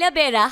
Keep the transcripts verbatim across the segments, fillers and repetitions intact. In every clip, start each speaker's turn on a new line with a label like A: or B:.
A: Ayla Bera.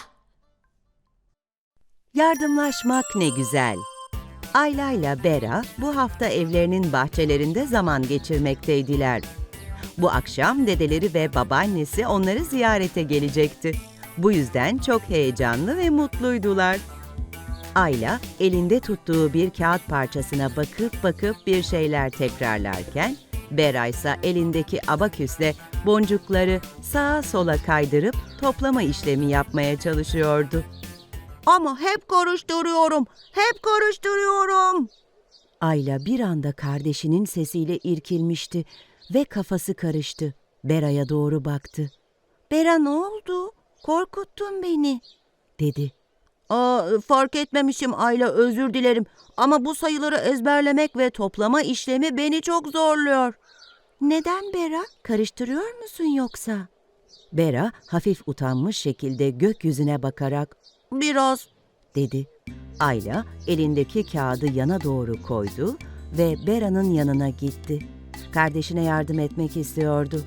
B: Yardımlaşmak ne güzel. Ayla ile Bera bu hafta evlerinin bahçelerinde zaman geçirmekteydiler. Bu akşam dedeleri ve babaannesi onları ziyarete gelecekti. Bu yüzden çok heyecanlı ve mutluydular. Ayla elinde tuttuğu bir kağıt parçasına bakıp bakıp bir şeyler tekrarlarken, Bera ise elindeki abaküsle boncukları sağa sola kaydırıp toplama işlemi yapmaya çalışıyordu. Ama hep karıştırıyorum, hep karıştırıyorum. Ayla bir anda kardeşinin sesiyle irkilmişti ve kafası karıştı. Bera'ya doğru baktı. "Bera, ne oldu? Korkuttun beni," dedi. "Aa, fark etmemişim Ayla, özür dilerim. Ama bu sayıları ezberlemek ve toplama işlemi beni çok zorluyor." "Neden Bera? Karıştırıyor musun yoksa?" Bera hafif utanmış şekilde gökyüzüne bakarak "Biraz," dedi. Ayla elindeki kağıdı yana doğru koydu ve Bera'nın yanına gitti. Kardeşine yardım etmek istiyordu.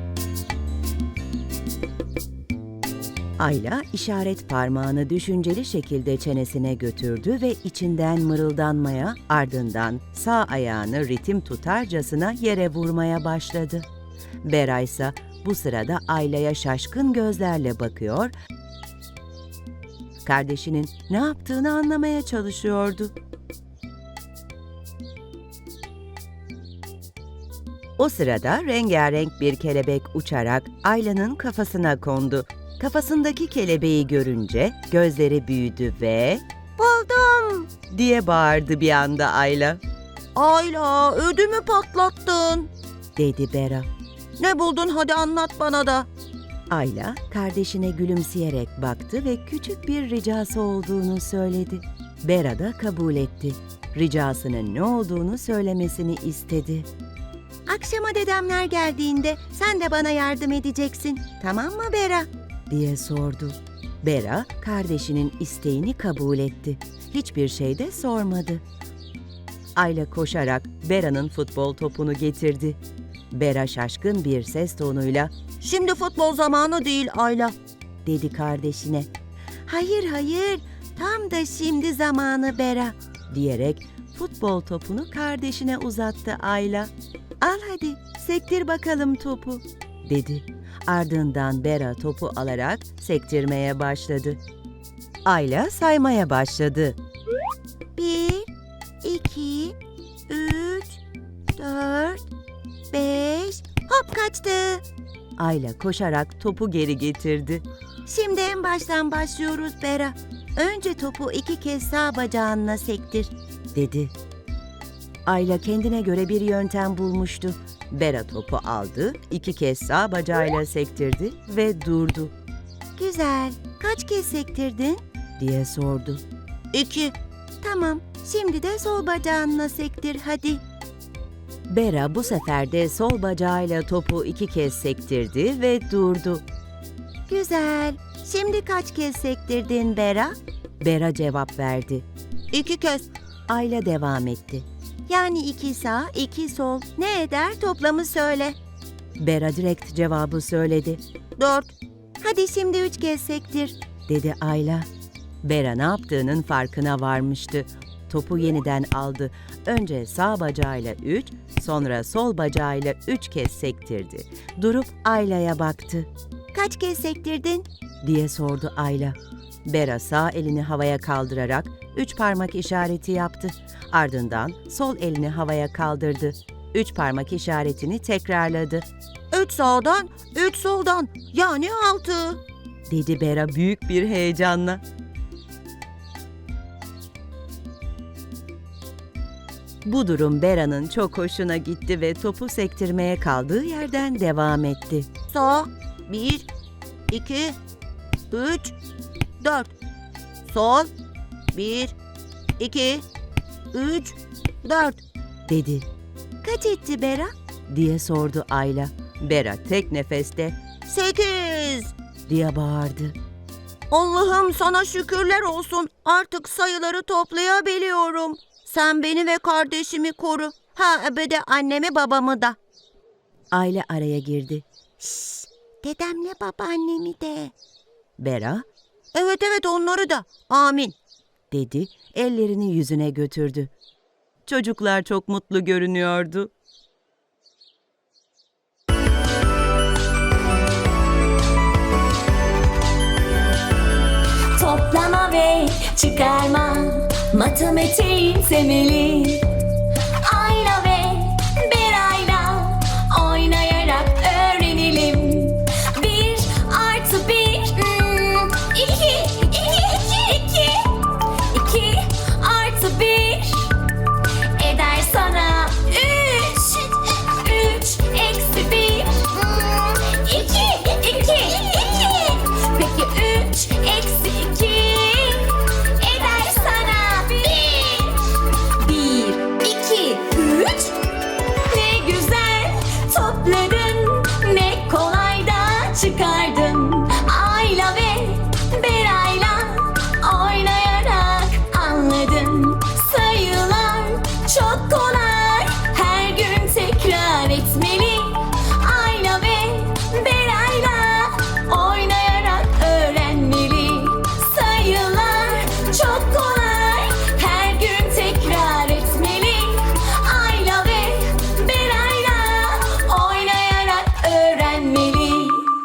B: Ayla işaret parmağını düşünceli şekilde çenesine götürdü ve içinden mırıldanmaya, ardından sağ ayağını ritim tutarcasına yere vurmaya başladı. Bera ise bu sırada Ayla'ya şaşkın gözlerle bakıyor, kardeşinin ne yaptığını anlamaya çalışıyordu. O sırada rengarenk bir kelebek uçarak Ayla'nın kafasına kondu. Kafasındaki kelebeği görünce gözleri büyüdü ve "Buldum!" diye bağırdı bir anda Ayla. "Ayla, ödümü patlattın," dedi Bera. "Ne buldun, hadi anlat bana da." Ayla kardeşine gülümseyerek baktı ve küçük bir ricası olduğunu söyledi. Bera da kabul etti. Ricasının ne olduğunu söylemesini istedi. "Akşama dedemler geldiğinde sen de bana yardım edeceksin, tamam mı Bera?" diye sordu. Bera kardeşinin isteğini kabul etti. Hiçbir şey de sormadı. Ayla koşarak Bera'nın futbol topunu getirdi. Bera şaşkın bir ses tonuyla "Şimdi futbol zamanı değil Ayla," dedi kardeşine. "Hayır hayır, tam da şimdi zamanı Bera," diyerek futbol topunu kardeşine uzattı Ayla. "Al hadi, sektir bakalım topu," dedi. Ardından Bera topu alarak sektirmeye başladı. Ayla saymaya başladı. Bir, iki, üç, dört, beş, hop kaçtı. Ayla koşarak topu geri getirdi. "Şimdi en baştan başlıyoruz Bera. Önce topu iki kez sağ bacağınla sektir," dedi. Ayla kendine göre bir yöntem bulmuştu. Bera topu aldı, iki kez sağ bacağıyla sektirdi ve durdu. "Güzel, kaç kez sektirdin?" diye sordu. "İki." "Tamam, şimdi de sol bacağınla sektir hadi." Bera bu sefer de sol bacağıyla topu iki kez sektirdi ve durdu. "Güzel, şimdi kaç kez sektirdin Bera?" Bera cevap verdi. "İki kez." Ayla devam etti. "Yani iki sağ, iki sol. Ne eder, toplamı söyle." Bera direkt cevabı söyledi. "Dört." "Hadi şimdi üç kez sektir," dedi Ayla. Bera ne yaptığının farkına varmıştı. Topu yeniden aldı. Önce sağ bacağıyla üç, sonra sol bacağıyla üç kez sektirdi. Durup Ayla'ya baktı. "Kaç kez sektirdin?" diye sordu Ayla. Bera sağ elini havaya kaldırarak üç parmak işareti yaptı. Ardından sol elini havaya kaldırdı. Üç parmak işaretini tekrarladı. "Üç sağdan, üç soldan, yani altı," dedi Bera büyük bir heyecanla. Bu durum Bera'nın çok hoşuna gitti ve topu sektirmeye kaldığı yerden devam etti. "Sağ, bir, iki, üç, dört. Sol, bir, iki, üç, dört," dedi. "Kaç etti Bera?" diye sordu Ayla. Bera tek nefeste "Sekiz!" diye bağırdı. "Allah'ım sana şükürler olsun, artık sayıları toplayabiliyorum. Sen beni ve kardeşimi koru. Ha bir de annemi babamı da." Ayla araya girdi. "Şşş, dedemle babaannemi de." Bera Evet evet onları da. Amin, dedi, ellerini yüzüne götürdü. Çocuklar çok mutlu görünüyordu.
A: Toplama ve çıkarma, matematiğin temeli. Ayla ve Berayla oynayarak öğrenelim. Bir artı bir, hmm, iki, iki, iki, iki. İki artı bir eder sana üç. Üç eksi bir, hmm, iki, iki, iki. Peki üç eksi iki eder sana bir. Bir, iki, üç. Ne güzel topladın, ne kolay da çıkardın. Ayla ve Berayla oynayarak anladın. Sayılar çok kolay, her gün tekrar etmeli. Ayla ve Berayla oynayarak öğrenmeli. Sayılar çok kolay, her gün tekrar etmeli. Ayla ve Berayla oynayarak öğrenmeli.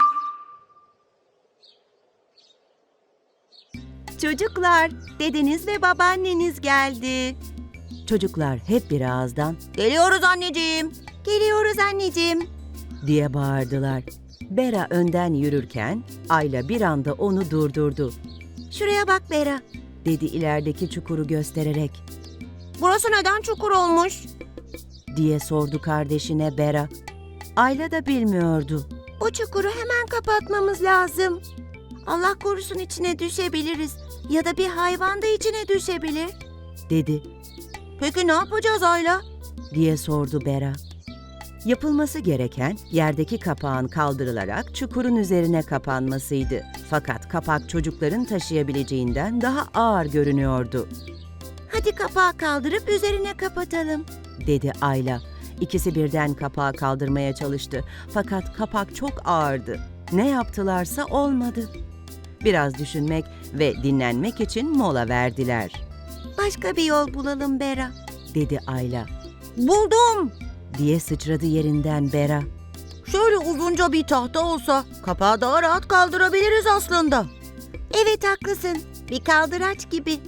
B: Çocuklar, dedeniz ve babaanneniz geldi. Çocuklar hep bir ağızdan "Geliyoruz anneciğim, geliyoruz anneciğim" diye bağırdılar. Bera önden yürürken Ayla bir anda onu durdurdu. "Şuraya bak Bera," dedi ilerideki çukuru göstererek. "Burası neden çukur olmuş?" diye sordu kardeşine Bera. Ayla da bilmiyordu. "Bu çukuru hemen kapatmamız lazım. Allah korusun içine düşebiliriz ya da bir hayvan da içine düşebilir," dedi. "Peki ne yapacağız Ayla?" diye sordu Bera. Yapılması gereken yerdeki kapağın kaldırılarak çukurun üzerine kapanmasıydı. Fakat kapak çocukların taşıyabileceğinden daha ağır görünüyordu. "Hadi kapağı kaldırıp üzerine kapatalım," dedi Ayla. İkisi birden kapağı kaldırmaya çalıştı. Fakat kapak çok ağırdı. Ne yaptılarsa olmadı. Biraz düşünmek ve dinlenmek için mola verdiler. "Başka bir yol bulalım Bera," dedi Ayla. "Buldum!" diye sıçradı yerinden Bera. "Şöyle uzunca bir tahta olsa kapağı daha rahat kaldırabiliriz aslında." "Evet haklısın. Bir kaldıraç gibi."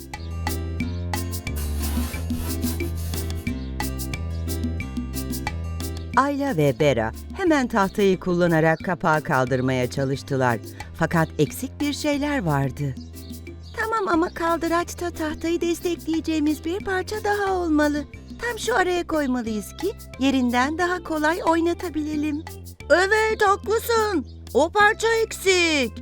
B: Ayla ve Bera hemen tahtayı kullanarak kapağı kaldırmaya çalıştılar. Fakat eksik bir şeyler vardı. "Tamam ama kaldıraçta tahtayı destekleyeceğimiz bir parça daha olmalı. Tam şu araya koymalıyız ki yerinden daha kolay oynatabilelim." "Evet haklısın. O parça eksik."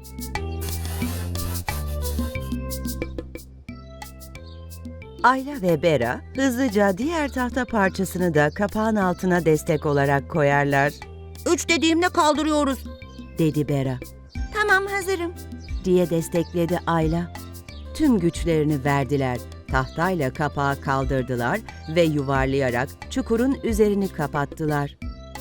B: Ayla ve Bera hızlıca diğer tahta parçasını da kapağın altına destek olarak koyarlar. "Üç dediğimle kaldırıyoruz," dedi Bera. "Tamam hazırım," diye destekledi Ayla. Tüm güçlerini verdiler. Tahtayla kapağı kaldırdılar ve yuvarlayarak çukurun üzerini kapattılar.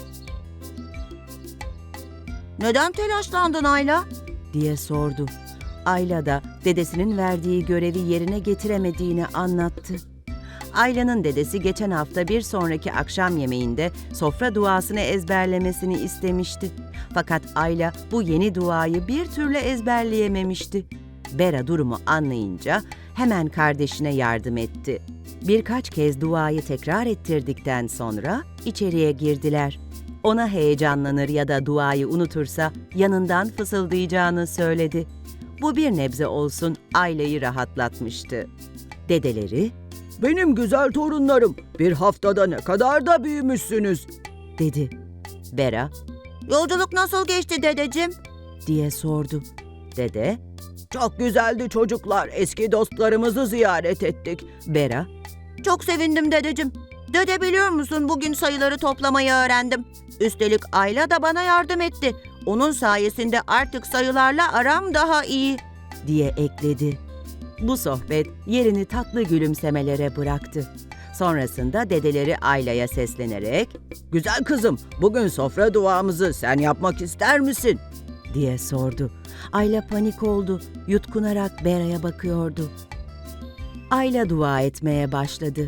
B: "Neden telaşlandın Ayla?" diye sordu. Ayla da dedesinin verdiği görevi yerine getiremediğini anlattı. Ayla'nın dedesi geçen hafta bir sonraki akşam yemeğinde sofra duasını ezberlemesini istemişti. Fakat Ayla bu yeni duayı bir türlü ezberleyememişti. Bera durumu anlayınca hemen kardeşine yardım etti. Birkaç kez duayı tekrar ettirdikten sonra içeriye girdiler. Ona heyecanlanır ya da duayı unutursa yanından fısıldayacağını söyledi. Bu bir nebze olsun Ayla'yı rahatlatmıştı. Dedeleri, "Benim güzel torunlarım, bir haftada ne kadar da büyümüşsünüz," dedi. Bera, "Yolculuk nasıl geçti dedeciğim?" diye sordu. Dede, "Çok güzeldi çocuklar, eski dostlarımızı ziyaret ettik." Bera, "Çok sevindim dedeciğim. Dede biliyor musun bugün sayıları toplamayı öğrendim. Üstelik Ayla da bana yardım etti. Onun sayesinde artık sayılarla aram daha iyi," diye ekledi. Bu sohbet yerini tatlı gülümsemelere bıraktı. Sonrasında dedeleri Ayla'ya seslenerek, "Güzel kızım, bugün sofra duamızı sen yapmak ister misin?" diye sordu. Ayla panik oldu, yutkunarak Bera'ya bakıyordu. Ayla dua etmeye başladı.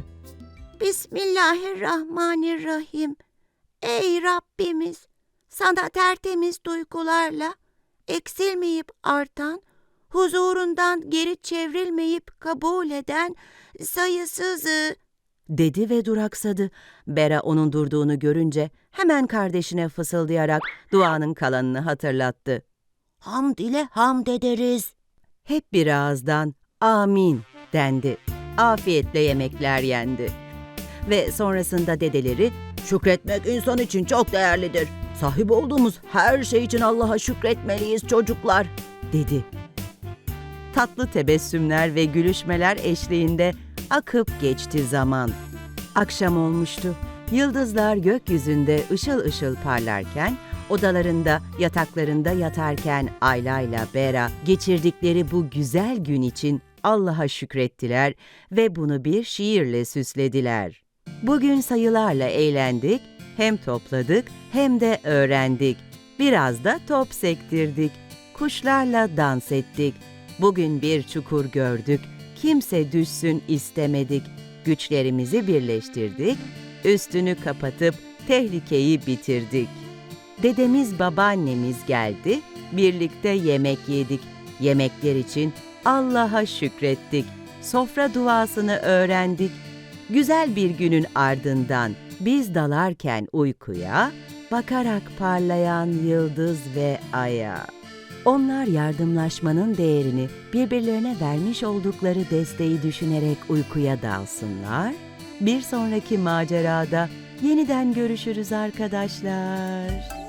B: Bismillahirrahmanirrahim. Ey Rabbimiz, sana tertemiz duygularla, eksilmeyip artan, huzurundan geri çevrilmeyip kabul eden sayısızı, dedi ve duraksadı. Bera onun durduğunu görünce hemen kardeşine fısıldayarak duanın kalanını hatırlattı. Hamd ile hamd ederiz. Hep bir ağızdan amin dendi. Afiyetle yemekler yendi. Ve sonrasında dedeleri, şükretmek insan için çok değerlidir. Sahip olduğumuz her şey için Allah'a şükretmeliyiz çocuklar, dedi. Tatlı tebessümler ve gülüşmeler eşliğinde akıp geçti zaman. Akşam olmuştu. Yıldızlar gökyüzünde ışıl ışıl parlarken, odalarında, yataklarında yatarken Ayla ile Bera geçirdikleri bu güzel gün için Allah'a şükrettiler ve bunu bir şiirle süslediler. Bugün sayılarla eğlendik, hem topladık hem de öğrendik. Biraz da top sektirdik, kuşlarla dans ettik. Bugün bir çukur gördük, kimse düşsün istemedik. Güçlerimizi birleştirdik, üstünü kapatıp tehlikeyi bitirdik. Dedemiz babaannemiz geldi, birlikte yemek yedik. Yemekler için Allah'a şükrettik. Sofra duasını öğrendik. Güzel bir günün ardından biz dalarken uykuya, bakarak parlayan yıldız ve aya. Onlar yardımlaşmanın değerini, birbirlerine vermiş oldukları desteği düşünerek uykuya dalsınlar. Bir sonraki macerada yeniden görüşürüz arkadaşlar.